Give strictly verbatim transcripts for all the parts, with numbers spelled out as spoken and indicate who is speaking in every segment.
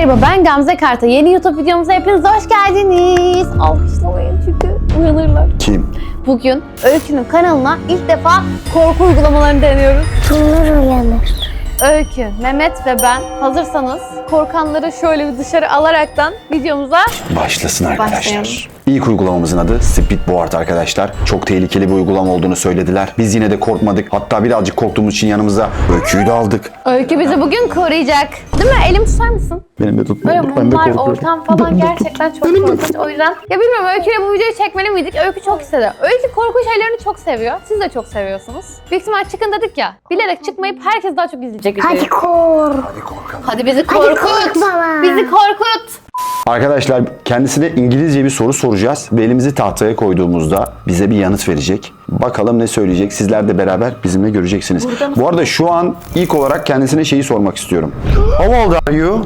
Speaker 1: Merhaba, ben Gamze Karta. Yeni YouTube videomuza hepiniz hoş geldiniz. Alkışlamayın çünkü uyanırlar.
Speaker 2: Kim?
Speaker 1: Bugün Öykü'nün kanalına ilk defa korku uygulamalarını deniyoruz.
Speaker 3: Kimler uyanır?
Speaker 1: Öykü, Mehmet ve ben hazırsanız korkanları şöyle bir dışarı alaraktan videomuza
Speaker 2: Başlasın arkadaşlar.
Speaker 1: Başlayalım.
Speaker 2: İlk uygulamamızın adı Speedboard arkadaşlar. Çok tehlikeli bir uygulama olduğunu söylediler. Biz yine de korkmadık. Hatta birazcık korktuğumuz için yanımıza Öykü'yü de aldık.
Speaker 1: Öykü bizi bugün koruyacak. Değil mi? Elimi tutar mısın?
Speaker 2: Benim de tutma.
Speaker 1: Böyle mumlar, ortam falan gerçekten çok korkunç. O yüzden ya bilmiyorum, Öykü'yle bu videoyu çekmeli miydik? Öykü çok istedi. Öykü korku şeylerini çok seviyor. Siz de çok seviyorsunuz. Büyük ihtimal çıkın dedik ya. Bilerek çıkmayıp herkes daha çok izleyecek videoyu.
Speaker 3: Hadi kor.
Speaker 2: Hadi korkalım.
Speaker 1: Hadi bizi
Speaker 3: Hadi
Speaker 1: korkut.
Speaker 3: kork baba.
Speaker 1: Bizi korkut.
Speaker 2: Arkadaşlar kendisine İngilizce bir soru soracağız ve elimizi tahtaya koyduğumuzda bize bir yanıt verecek. Bakalım ne söyleyecek. Sizler de beraber bizimle göreceksiniz. Bu arada şu an ilk olarak kendisine şeyi sormak istiyorum. How old are you?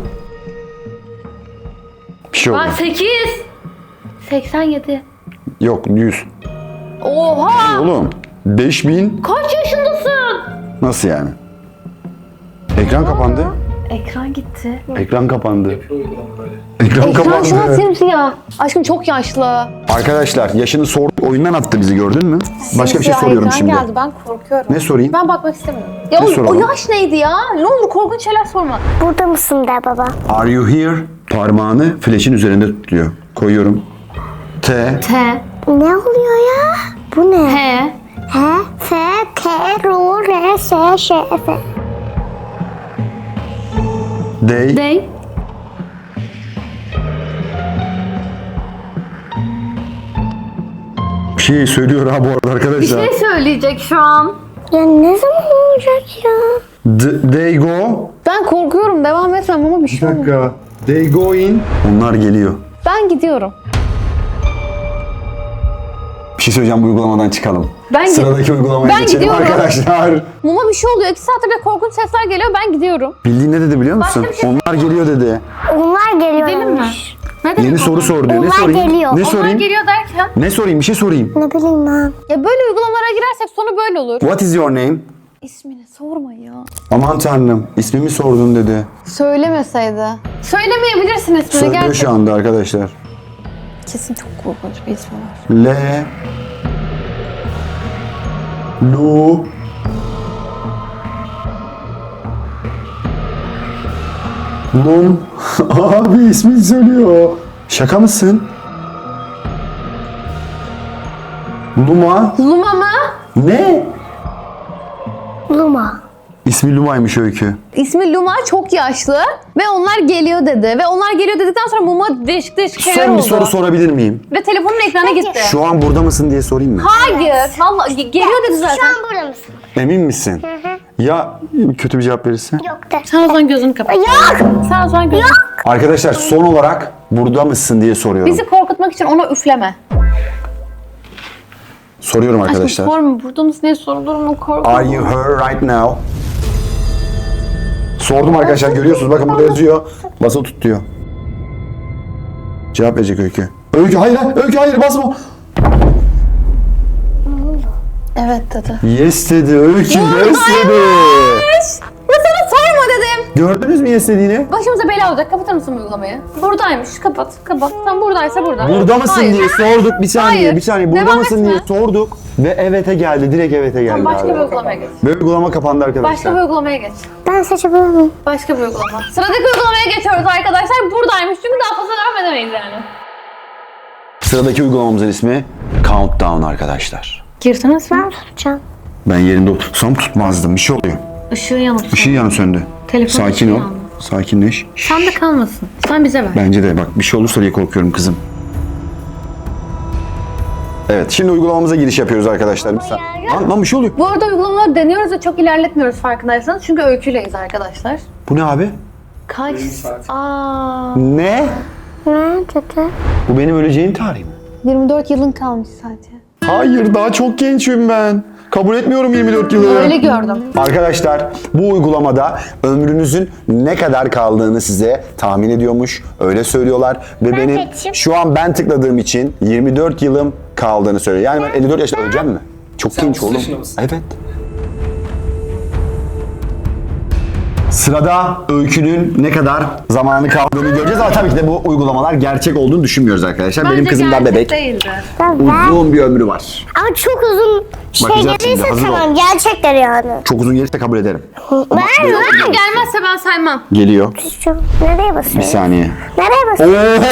Speaker 2: Bir şey oldu.
Speaker 1: Bak sekiz. seksen yedi.
Speaker 2: Yok yüz.
Speaker 1: Oha.
Speaker 2: Oğlum beş bin
Speaker 1: Kaç yaşındasın?
Speaker 2: nasıl yani? Ekran kapandı.
Speaker 1: Ekran gitti.
Speaker 2: Ekran kapandı. Ekran
Speaker 1: Ekran şu an
Speaker 2: kapandı.
Speaker 1: simsiyah. Aşkım çok yaşlı.
Speaker 2: Arkadaşlar yaşını sorduk, oyundan attı bizi, gördün mü? Başka bir şey
Speaker 1: Simsiyah
Speaker 2: soruyorum
Speaker 1: ekran
Speaker 2: şimdi.
Speaker 1: geldi, ben korkuyorum.
Speaker 2: Ne sorayım?
Speaker 1: Ben bakmak istemiyorum. Ya
Speaker 2: Ne
Speaker 1: o, o
Speaker 2: soralım?
Speaker 1: yaş neydi ya? Ne olur korkunç şeyler sorma.
Speaker 3: Burada mısın de baba?
Speaker 2: Are you here? Parmağını flaşın üzerinde tutuyor. Koyuyorum. T.
Speaker 1: T.
Speaker 3: Ne oluyor ya? Bu ne?
Speaker 1: H.
Speaker 3: H, F, T, R, R, S, Ş, F.
Speaker 2: Day.
Speaker 1: D.
Speaker 2: Bir şey söylüyor ha bu arada
Speaker 1: Bir
Speaker 2: arkadaşlar.
Speaker 1: şey söyleyecek şu an.
Speaker 3: Ya ne zaman olacak ya?
Speaker 2: D- they go.
Speaker 1: Ben korkuyorum, devam etmem ama bir şey olmuyor.
Speaker 2: dakika. They go in. Onlar geliyor.
Speaker 1: Ben gidiyorum.
Speaker 2: Bir şey söyleyeceğim, bu uygulamadan çıkalım.
Speaker 1: Ben gi-
Speaker 2: Sıradaki uygulamaya
Speaker 1: Ben
Speaker 2: geçelim
Speaker 1: gidiyorum.
Speaker 2: arkadaşlar.
Speaker 1: Muma bir şey oluyor. İki saattir de korkunç sesler geliyor. Ben gidiyorum.
Speaker 2: Bildiğin ne dedi biliyor musun?
Speaker 1: Başka bir şey-
Speaker 2: Onlar geliyor dedi.
Speaker 3: Onlar geliyor.
Speaker 1: Gidelim mi? Ne demek
Speaker 2: Yeni
Speaker 1: onlar?
Speaker 2: soru sor diyor. Ne
Speaker 3: Onlar
Speaker 2: sorayım?
Speaker 3: geliyor.
Speaker 2: Ne
Speaker 3: Onlar
Speaker 1: Onlar
Speaker 2: sorayım?
Speaker 1: geliyor derken.
Speaker 2: Ne sorayım? Bir şey sorayım.
Speaker 3: Ne bileyim ben.
Speaker 1: Ya böyle uygulamalara girersek sonu böyle olur.
Speaker 2: What is your name?
Speaker 1: İsmini sorma ya.
Speaker 2: Aman tanrım, ismimi sordun dedi.
Speaker 1: Söylemeseydi. Söylemeyebilirsin ismini
Speaker 2: Söylüyor
Speaker 1: gerçekten.
Speaker 2: şu anda arkadaşlar.
Speaker 1: Kesin çok korkunç bir ismi var.
Speaker 2: L Lu Lum. Abi ismini söylüyor. Şaka mısın? Luma.
Speaker 1: Luma mı?
Speaker 2: Ne?
Speaker 3: Luma.
Speaker 2: İsmi Luma'ymış Öykü.
Speaker 1: İsmi Luma, çok yaşlı ve onlar geliyor dedi. Ve onlar geliyor dedikten sonra Muma değişik değişik şeyler
Speaker 2: Son
Speaker 1: oldu.
Speaker 2: bir soru sorabilir miyim?
Speaker 1: Ve telefonun ekrana gitti.
Speaker 2: Şu an burada mısın diye sorayım mı?
Speaker 1: Hayır. Vallahi ge- geliyor dedi zaten.
Speaker 3: Şu an burada mısın?
Speaker 2: Emin misin? Ya kötü bir cevap verirse?
Speaker 3: Yok de.
Speaker 1: Sen o zaman gözünü kapat.
Speaker 3: Yok.
Speaker 1: Sen o zaman gözünü
Speaker 2: Arkadaşlar son olarak burada mısın diye soruyorum.
Speaker 1: Bizi korkutmak için ona üfleme.
Speaker 2: Soruyorum
Speaker 1: Aşkım
Speaker 2: arkadaşlar.
Speaker 1: sorma. Burada mısın diye sorulur mu? Korkma.
Speaker 2: Are you her right now? Sordum arkadaşlar, görüyorsunuz. Bakın burada yazıyor. Basılı tut diyor. Cevap verecek Öykü. Öykü hayır, Öykü hayır basma.
Speaker 1: Evet dedi.
Speaker 2: Yes dedi Öykü, yes dedi.
Speaker 1: Bu sana sorma dedim.
Speaker 2: Gördünüz mü yes dediğini?
Speaker 1: Başımıza bela olacak. Kapatır mısın bu uygulamayı? Buradaymış. Kapat. Kapat. Tam buradaysa burada.
Speaker 2: Burada mısın
Speaker 1: Hayır.
Speaker 2: diye sorduk. Bir saniye,
Speaker 1: Hayır.
Speaker 2: bir saniye. Burada
Speaker 1: Devam
Speaker 2: mısın
Speaker 1: etme.
Speaker 2: diye sorduk. Ve evet'e geldi. Direkt evet'e geldi.
Speaker 1: Tamam, başka
Speaker 2: abi.
Speaker 1: bir uygulamaya geç.
Speaker 2: Ve uygulama kapandı arkadaşlar.
Speaker 1: Başka bir uygulamaya geç.
Speaker 3: Ben seçebilir miyim?
Speaker 1: Başka bir uygulama. Sıradaki uygulamaya geçiyoruz arkadaşlar. Buradaymış çünkü daha fazla devam edemeyiz yani.
Speaker 2: Sıradaki uygulamamızın ismi Countdown arkadaşlar.
Speaker 1: Girdiniz mi?
Speaker 3: Ben tutacağım.
Speaker 2: Ben yerinde otursam tutmazdım. Bir şey oluyor.
Speaker 1: Işığı yanıp.
Speaker 2: Işığı yanı söndü.
Speaker 1: Telefon
Speaker 2: Sakin
Speaker 1: ışığı
Speaker 2: ol.
Speaker 1: yandı.
Speaker 2: Sakinleş.
Speaker 1: Sen de kalmasın. Sen bize ver.
Speaker 2: Bence de bak, bir şey olursa diye korkuyorum kızım. Evet, şimdi uygulamamıza giriş yapıyoruz arkadaşlar. Bir saniye. Lan, lan bir şey oluyor.
Speaker 1: Bu arada uygulamaları deniyoruz ve çok ilerletmiyoruz farkındaysanız. Çünkü öyküleyiz arkadaşlar.
Speaker 2: Bu ne abi?
Speaker 1: Kaç? Aa,
Speaker 2: Ne?
Speaker 3: Ne dedi?
Speaker 2: Bu benim öleceğim tarih mi?
Speaker 1: yirmi dört yılın kalmış sadece.
Speaker 2: Hayır, daha çok gençim ben. Kabul etmiyorum yirmi dört yılı.
Speaker 1: Öyle gördüm.
Speaker 2: Arkadaşlar bu uygulamada ömrünüzün ne kadar kaldığını size tahmin ediyormuş. Öyle söylüyorlar. Ve
Speaker 3: Ben
Speaker 2: benim
Speaker 3: seçeyim.
Speaker 2: şu an ben tıkladığım için yirmi dört yılım kaldığını söylüyor. Yani ben elli dört yaşında öleceğim mi? Çok genç
Speaker 4: otuz
Speaker 2: oğlum.
Speaker 4: yaşında mısın?
Speaker 2: Evet. Sırada Öykü'nün ne kadar zamanı kaldığını göreceğiz ama tabii ki de bu uygulamalar gerçek olduğunu düşünmüyoruz arkadaşlar. Benim kızım da bebek.
Speaker 1: Değildi.
Speaker 3: Ben,
Speaker 2: Uzun bir ömrü var.
Speaker 3: ama çok uzun şey
Speaker 2: Bakacağız şimdi,
Speaker 3: gelirse
Speaker 2: hazır ol.
Speaker 3: tamam gerçekler yani.
Speaker 2: Çok uzun gelirse kabul ederim.
Speaker 3: Ben ben
Speaker 1: Gelmezse ben saymam.
Speaker 2: Geliyor.
Speaker 3: nereye
Speaker 2: Bir
Speaker 3: basıyorum?
Speaker 2: saniye.
Speaker 3: Nereye basıyorum?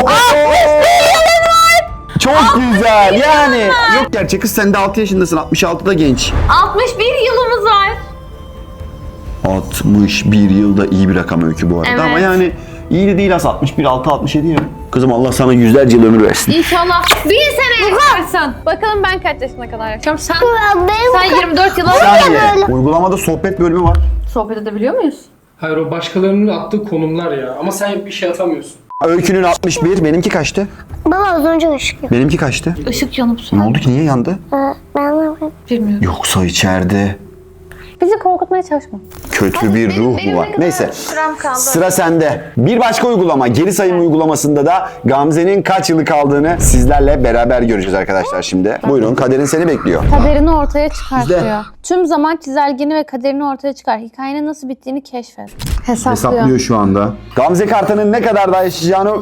Speaker 2: Çok güzel. Yani yok gerçek kız, sen de altı yaşındasın. altmış altıda genç.
Speaker 1: altmış bir yılımız var.
Speaker 2: altmış bir yılda iyi bir rakam Öykü bu arada
Speaker 1: Evet.
Speaker 2: ama yani iyi de değil aslında. altmış bir, altı, altmış yedi ya. Kızım Allah sana yüzlerce yıl ömür versin.
Speaker 1: İnşallah bin sene yaşarsın. Bakalım ben kaç yaşına kadar yaşıyorum. Sen,
Speaker 3: Benim
Speaker 1: sen yirmi dört yıl
Speaker 2: Bir
Speaker 1: oldu.
Speaker 2: saniye. Uygulamada sohbet bölümü var.
Speaker 1: Sohbet edebiliyor muyuz?
Speaker 4: Hayır, o başkalarının attığı konumlar ya. Ama sen bir şey atamıyorsun.
Speaker 2: Öykünün altmış bir, benimki kaçtı?
Speaker 3: Baba az önce ışık yok.
Speaker 2: Benimki kaçtı?
Speaker 1: Işık yanıp
Speaker 2: Ne
Speaker 1: söndü.
Speaker 2: oldu ki, niye yandı?
Speaker 3: Ee, Ben de
Speaker 1: Bilmiyorum.
Speaker 2: Yoksa içeride
Speaker 1: Bizi korkutmaya çalışma.
Speaker 2: kötü bir ruh mu var? Neyse.
Speaker 1: Sürem kaldı.
Speaker 2: Sıra sende. Bir başka uygulama, geri sayım uygulamasında da Gamze'nin kaç yılı kaldığını sizlerle beraber göreceğiz arkadaşlar şimdi. Buyurun, kaderin seni bekliyor.
Speaker 1: Kaderini ortaya çıkartıyor.
Speaker 2: Bizde.
Speaker 1: Tüm zaman çizelgeni ve kaderini ortaya çıkar. Hikayenin nasıl bittiğini keşfet. Hesaplıyor.
Speaker 2: Hesaplıyor şu anda. Gamze Kartan'ın ne kadar daha yaşayacağını...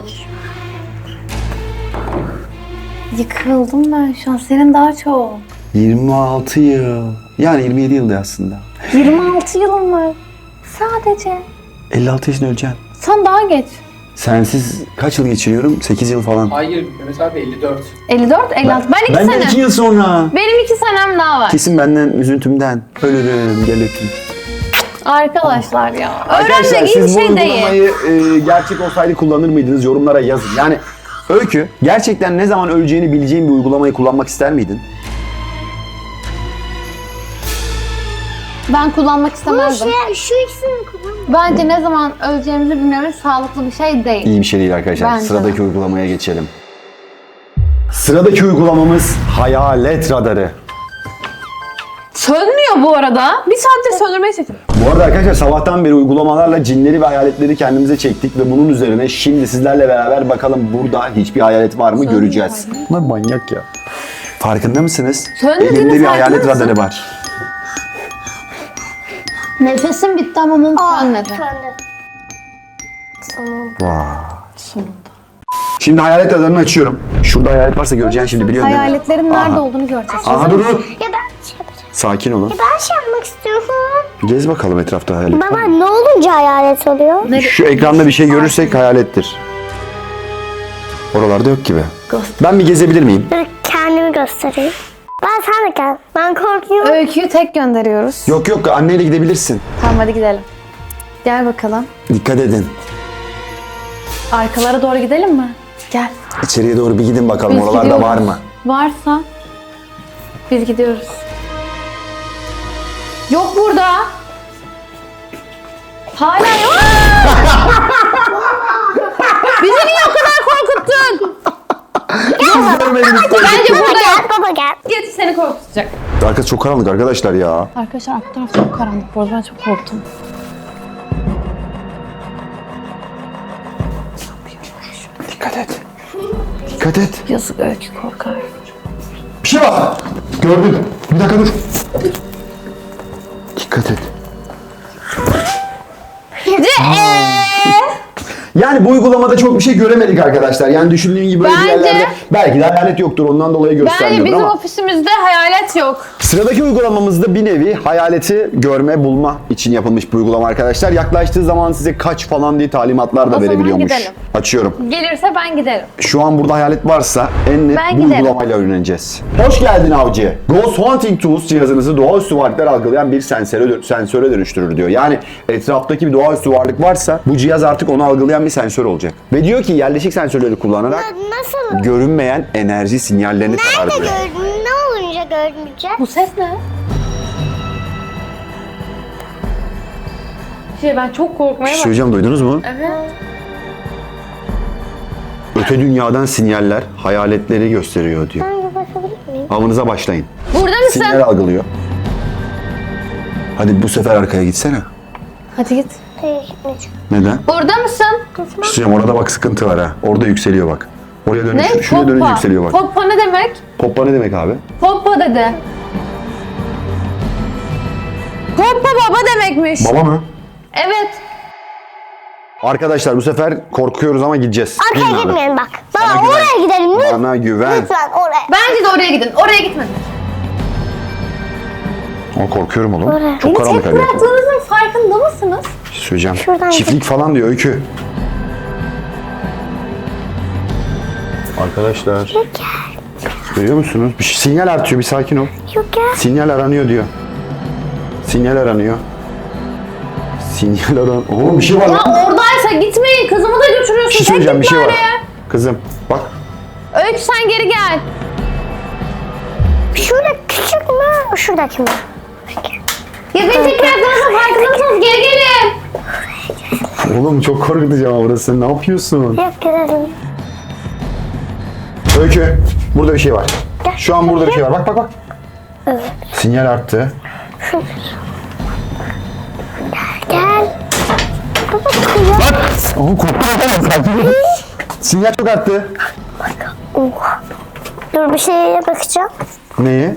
Speaker 1: Yıkıldım ben şu an. Senin daha çok.
Speaker 2: yirmi altı yıl. Yani yirmi yedi yılda aslında.
Speaker 1: yirmi altı yılım var. Sadece.
Speaker 2: elli altı yaşında öleceksin.
Speaker 1: Sen daha geç.
Speaker 2: Sensiz kaç yıl geçiriyorum? sekiz yıl falan.
Speaker 4: Hayır Mehmet abi elli dört.
Speaker 1: elli dört, elli altı. Ben iki
Speaker 2: Benden
Speaker 1: sene.
Speaker 2: iki yıl sonra.
Speaker 1: Benim iki senem daha var.
Speaker 2: Kesin benden üzüntümden. Ölürüm, gel öpeyim.
Speaker 1: Arkadaşlar ya.
Speaker 2: Arkadaşlar
Speaker 1: Öğrenmek iyi bir
Speaker 2: siz bu
Speaker 1: şey değil.
Speaker 2: uygulamayı e, gerçek olsaydı kullanır mıydınız? Yorumlara yazın. Yani Öykü, gerçekten ne zaman öleceğini bileceğin bir uygulamayı kullanmak ister miydin?
Speaker 1: Ben kullanmak
Speaker 3: Bu
Speaker 1: istemezdim.
Speaker 3: şey, şu ikisini kullan.
Speaker 1: Bence ne zaman öleceğimizi bilmemiz sağlıklı bir şey değil.
Speaker 2: İyi bir şey değil arkadaşlar.
Speaker 1: Bence
Speaker 2: Sıradaki
Speaker 1: de.
Speaker 2: uygulamaya geçelim. Sıradaki uygulamamız Hayalet Radarı.
Speaker 1: Sönmüyor bu arada. Bir saattir söndürmeye çalışıyorum.
Speaker 2: Bu arada arkadaşlar sabahtan beri uygulamalarla cinleri ve hayaletleri kendimize çektik ve bunun üzerine şimdi sizlerle beraber bakalım burada hiçbir hayalet var mı göreceğiz. Bunlar manyak ya. Farkında mısınız?
Speaker 1: Sönmediğinin
Speaker 2: Elimde bir
Speaker 1: farkında
Speaker 2: hayalet
Speaker 1: mısın?
Speaker 2: radarı var.
Speaker 1: Nefesim bitti ama mum sönmedi.
Speaker 2: Vay. Şimdi hayalet radarını açıyorum. Şurada hayalet varsa göreceğin şimdi biliyorsun değil mi?
Speaker 1: Hayaletlerin nerede
Speaker 2: Aha.
Speaker 1: olduğunu göreceğiz.
Speaker 2: Aha dur dur.
Speaker 3: Ya ben şey yapacağım.
Speaker 2: Sakin olun.
Speaker 3: Ben şey yapmak istiyorum.
Speaker 2: Gez bakalım etrafta hayalet.
Speaker 3: Baba ne olunca hayalet oluyor?
Speaker 2: Şu ekranda bir şey görürsek hayalettir. Oralarda yok gibi. Ben bir gezebilir miyim?
Speaker 3: Dur kendimi göstereyim. Ben sen de gel. Ben korkuyorum.
Speaker 1: Öyküyü tek gönderiyoruz.
Speaker 2: Yok yok, anneyle gidebilirsin.
Speaker 1: Tamam hadi gidelim. Gel bakalım.
Speaker 2: Dikkat edin.
Speaker 1: Arkalara doğru gidelim mi? Gel.
Speaker 2: İçeriye doğru bir gidin bakalım,
Speaker 1: Biz
Speaker 2: oralarda
Speaker 1: gidiyoruz.
Speaker 2: var mı?
Speaker 1: Varsa biz gidiyoruz. Yok burada. Hala yok. Bizi niye o kadar korkuttun?
Speaker 2: Görmedim.
Speaker 1: Bence
Speaker 3: Baba
Speaker 1: burada
Speaker 3: gel,
Speaker 1: yok.
Speaker 3: baba gel.
Speaker 1: Getir seni korkutacak.
Speaker 2: Arkası çok karanlık arkadaşlar ya.
Speaker 1: Arkadaşlar arka taraf çok karanlık. Bu arada ben çok korktum.
Speaker 2: Dikkat et. Dikkat et.
Speaker 1: Yazık Öykü korkar.
Speaker 2: Bir şey var. Gördüm. Bir dakika dur. Dikkat et. Yani bu uygulamada çok bir şey göremedik arkadaşlar. Yani düşündüğün gibi böyle bir
Speaker 1: Bence-
Speaker 2: yerlerde belki de hayalet yoktur. Ondan dolayı
Speaker 1: Bence
Speaker 2: göstermiyordur
Speaker 1: bizim
Speaker 2: ama.
Speaker 1: ofisimizde hayalet yok.
Speaker 2: Sıradaki uygulamamızda bir nevi hayaleti görme, bulma için yapılmış bir uygulama arkadaşlar. Yaklaştığı zaman size kaç falan diye talimatlar da
Speaker 1: O zaman
Speaker 2: verebiliyormuş.
Speaker 1: gidelim.
Speaker 2: Açıyorum.
Speaker 1: Gelirse ben giderim.
Speaker 2: Şu an burada hayalet varsa en net
Speaker 1: Ben
Speaker 2: bu
Speaker 1: giderim.
Speaker 2: uygulamayla öğreneceğiz. Hoş geldin avcı. Ghost Hunting Tools cihazınızı doğaüstü varlıklar algılayan bir sensöre, sensöre dönüştürür diyor. Yani etraftaki bir doğaüstü varlık varsa bu cihaz artık onu algılayan bir sensör olacak. Ve diyor ki yerleşik sensörleri kullanarak
Speaker 3: Nasıl?
Speaker 2: görünmeyen enerji sinyallerini
Speaker 3: Nerede
Speaker 2: tararlıyor.
Speaker 3: gördün? Ne olunca görmeyeceğim?
Speaker 1: Bu ses ne? Şey ben çok korkmaya bak.
Speaker 2: Söyleyeceğim, duydunuz mu?
Speaker 1: Evet.
Speaker 2: Öte dünyadan sinyaller hayaletleri gösteriyor diyor.
Speaker 3: Ben bir bakabilir miyim?
Speaker 2: Avınıza başlayın.
Speaker 1: Burada mısın?
Speaker 2: Sinyal algılıyor. Hadi bu sefer arkaya gitsene.
Speaker 1: Hadi git.
Speaker 3: Hayır gitmeyeceğim.
Speaker 2: Neden?
Speaker 1: Burada mısın?
Speaker 2: Bir şey söyleyeyim, orada bak sıkıntı var ha. Orada yükseliyor bak. Oraya dönünce,
Speaker 1: Ne?
Speaker 2: şuraya dönünce
Speaker 1: Poppa.
Speaker 2: yükseliyor bak.
Speaker 1: Poppa ne demek?
Speaker 2: Poppa ne demek abi?
Speaker 1: Poppa dedi. Poppa baba demekmiş.
Speaker 2: Baba mı?
Speaker 1: Evet.
Speaker 2: Arkadaşlar bu sefer korkuyoruz ama gideceğiz. Değil mi
Speaker 3: Arkaya
Speaker 2: abi?
Speaker 3: gitmeyelim bak.
Speaker 2: Bana
Speaker 3: Baba
Speaker 2: güven.
Speaker 3: oraya gidelim lütfen.
Speaker 2: Bana güven.
Speaker 3: Lütfen oraya.
Speaker 1: Bence de oraya gidin. Oraya gitmedin.
Speaker 2: Ama korkuyorum oğlum.
Speaker 3: Oraya.
Speaker 2: Çok karanlık
Speaker 1: Tek
Speaker 2: hadi.
Speaker 1: bıraktığınızın farkında mısınız?
Speaker 2: Bir şey söyleyeceğim.
Speaker 3: Şuradan
Speaker 2: Çiftlik falan diyor Öykü. Arkadaşlar. Görüyor musunuz? Bir şey- sinyal artıyor, bir sakin ol.
Speaker 3: Yok ya.
Speaker 2: Sinyal aranıyor diyor. Sinyal aranıyor. Sinyal aran... Oo bir şey var
Speaker 1: Ya
Speaker 2: lan.
Speaker 1: oradaysa gitmeyin. Kızımı da götürüyorsun.
Speaker 2: Bir şey
Speaker 1: Tek
Speaker 2: söyleyeceğim, bir
Speaker 1: git
Speaker 2: şey var.
Speaker 1: bari.
Speaker 2: Kızım bak.
Speaker 1: Öykü sen geri gel.
Speaker 3: Şurada küçük mü? Şuradaki mi?
Speaker 1: Ya beni tek bıraktığınızın farkında mısınız? Geri gelin.
Speaker 2: Oğlum çok korkutucu ama burası. Ne yapıyorsun?
Speaker 3: Yok gidelim.
Speaker 2: Öykü, burada bir şey var. Şu an burada bir şey var. Bak bak bak. Sinyal arttı.
Speaker 3: Gel. Baba kıyam.
Speaker 2: Bak! Oğlum korktum ama sakin ol. Sinyal çok arttı.
Speaker 3: Oh. Dur bir şeye bakacağım.
Speaker 2: Neyi?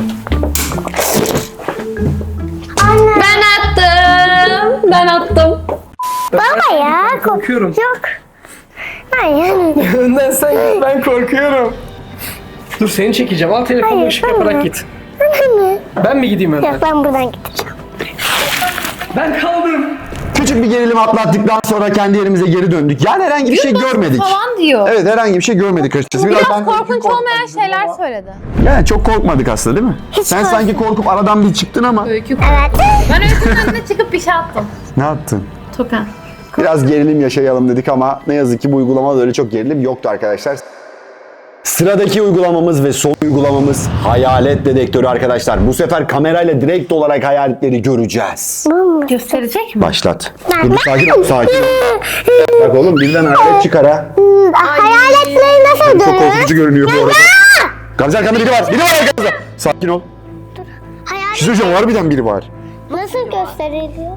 Speaker 3: Anne.
Speaker 1: Ben attım. Ben attım.
Speaker 3: Baba ya. kork-
Speaker 4: korkuyorum.
Speaker 3: Yok. Hayır.
Speaker 4: Önden sen git, ben korkuyorum. Dur seni çekeceğim. Al telefonunu,
Speaker 3: Hayır,
Speaker 4: ışık
Speaker 3: ben
Speaker 4: yaparak
Speaker 3: mi?
Speaker 4: git.
Speaker 3: Anne.
Speaker 4: Ben mi gideyim önden?
Speaker 3: Yok ben buradan gideceğim.
Speaker 4: Ben kaldım.
Speaker 2: Küçük bir gerilim atlattıktan sonra kendi yerimize geri döndük. Yani herhangi bir şey görmedik.
Speaker 1: Falan diyor.
Speaker 2: Evet herhangi bir şey görmedik açıkçası.
Speaker 1: Biraz
Speaker 2: ben-
Speaker 1: korkunç olmayan şeyler söyledi.
Speaker 2: Yani çok korkmadık aslında değil mi?
Speaker 3: Hiç
Speaker 2: Sen
Speaker 3: korkmadım.
Speaker 2: sanki korkup aradan bir çıktın ama.
Speaker 1: Öykü.
Speaker 3: Evet.
Speaker 1: Ben Öykü'nün önüne çıkıp bir şey attım.
Speaker 2: Ne yaptın?
Speaker 1: Tokan.
Speaker 2: Biraz gerilim yaşayalım dedik ama ne yazık ki bu uygulamada öyle çok gerilim yoktu arkadaşlar. Sıradaki uygulamamız ve son uygulamamız hayalet dedektörü arkadaşlar. Bu sefer kamerayla direkt olarak hayaletleri göreceğiz.
Speaker 1: Gösterecek mi?
Speaker 2: Başlat. Dur sakin ol, sakin ol. Bak oğlum birden hayalet çıkar ha.
Speaker 3: Hayaletleri nasıl
Speaker 2: Çok
Speaker 3: görüyor?
Speaker 2: korkutucu görünüyor bu arada. Gamze arkamda biri var, biri var arkamda. Sakin ol. Bir şey
Speaker 3: Hayalet
Speaker 2: söyleyeceğim, harbiden biri var.
Speaker 3: nasıl gösteriliyor?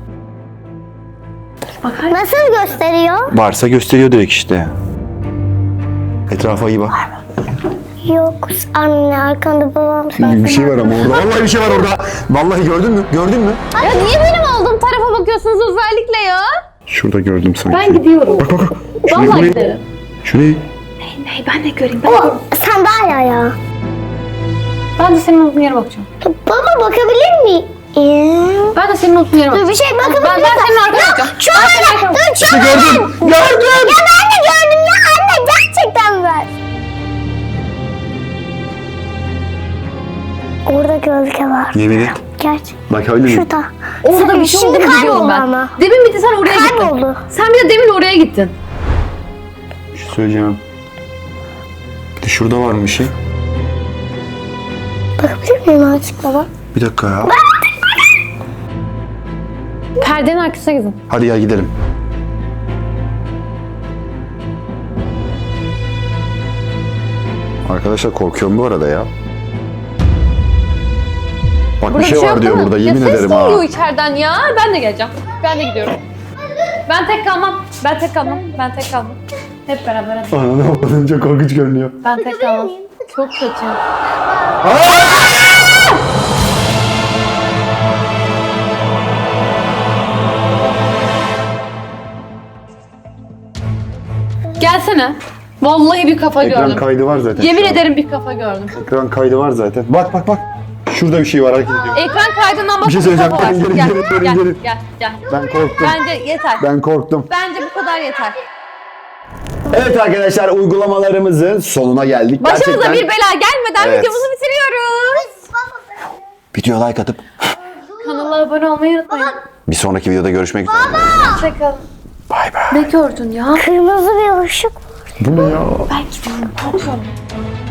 Speaker 3: Nasıl gösteriyor?
Speaker 2: Varsa gösteriyor direkt işte. Etrafa iyi bak.
Speaker 3: Yok anne arkanda babam.
Speaker 2: Bir şey var ama orada. Vallahi bir şey var orada. Vallahi gördün mü? Gördün mü?
Speaker 1: Ya niye benim olduğum tarafa bakıyorsunuz özellikle ya?
Speaker 2: Şurada gördüm sanki.
Speaker 1: Ben gidiyorum.
Speaker 2: Bak bak bak. Şurayı,
Speaker 1: Vallahi
Speaker 2: burayı.
Speaker 1: giderim.
Speaker 2: Şurayı.
Speaker 1: Hey, ben de göreyim. Ben,
Speaker 3: O sandalye ya.
Speaker 1: ben de senin olduğun yere bakacağım.
Speaker 3: Baba bakabilir miyim?
Speaker 1: Ben de senin olduğun yere
Speaker 3: Dur
Speaker 1: bakacağım.
Speaker 3: bir şey bakabilir
Speaker 1: Ben, ben senin arkana bakacağım.
Speaker 3: Şu
Speaker 1: Ben senin
Speaker 3: anda
Speaker 1: arkana
Speaker 3: dur
Speaker 1: bakacağım.
Speaker 3: şu
Speaker 2: İşte gördüm. Gördüm.
Speaker 3: Ya ben de gördüm ya anne gerçekten ver. Orada gölge var.
Speaker 2: Yemin et.
Speaker 3: Gerçek.
Speaker 2: Bak öyle mi?
Speaker 3: Şurada.
Speaker 1: Orada bir şey
Speaker 3: Şimdi
Speaker 1: olduğunu biliyorum
Speaker 3: kayboldu
Speaker 1: ben.
Speaker 3: ama.
Speaker 1: Demin bir de sen oraya gittin.
Speaker 3: Kayboldu.
Speaker 1: Sen bir de demin oraya gittin.
Speaker 2: Bir şey söyleyeceğim. Bir de şurada var mı bir şey?
Speaker 3: Bakabilir miyim artık baba?
Speaker 2: Bir dakika ya.
Speaker 1: Perdenin arkasına gidin.
Speaker 2: Hadi ya gidelim. Arkadaşlar korkuyorum bu arada ya. Bak
Speaker 1: Burada
Speaker 2: bir şey var
Speaker 1: yok
Speaker 2: diyor
Speaker 1: değil mi?
Speaker 2: burada yemin
Speaker 1: ya
Speaker 2: ederim
Speaker 1: ses
Speaker 2: ha.
Speaker 1: duyuyor içeriden ya. Ben de geleceğim. Ben de gidiyorum. Ben tek kalmam. Ben tek kalmam. Ben tek kalmam. Hep beraber hadi.
Speaker 2: Anlamadım çok korkunç görünüyor.
Speaker 1: Ben tek kalmam. Çok kötü. Gelsene. Vallahi bir kafa
Speaker 2: Ekran
Speaker 1: gördüm.
Speaker 2: kaydı var zaten.
Speaker 1: Yemin
Speaker 2: şu an.
Speaker 1: ederim bir kafa gördüm.
Speaker 2: Ekran kaydı var zaten. Bak bak bak. Şurada bir şey var hareket ediyor.
Speaker 1: Ekran kaydından bak.
Speaker 2: Bir şey söyleyeceğim. Gelin, gelin,
Speaker 1: Gel,
Speaker 2: gelin, gelin,
Speaker 1: gel,
Speaker 2: gelin.
Speaker 1: gel, gel.
Speaker 2: Ben korktum.
Speaker 1: Bence yeter.
Speaker 2: Ben korktum.
Speaker 1: Bence bu kadar yeter.
Speaker 2: Evet arkadaşlar uygulamalarımızın sonuna geldik.
Speaker 1: Başımıza
Speaker 2: Gerçekten
Speaker 1: bir bela gelmeden
Speaker 2: Evet.
Speaker 1: videomuzu bitiriyoruz.
Speaker 2: videoya like atıp
Speaker 1: Kanala abone olmayı unutmayın.
Speaker 2: bir sonraki videoda görüşmek üzere.
Speaker 1: Hoşçakalın.
Speaker 2: Bay bay.
Speaker 1: Ne gördün ya?
Speaker 3: Kırmızı bir ışık.
Speaker 2: Bu ne ya?
Speaker 1: Ben gidiyorum. Korkuyorum.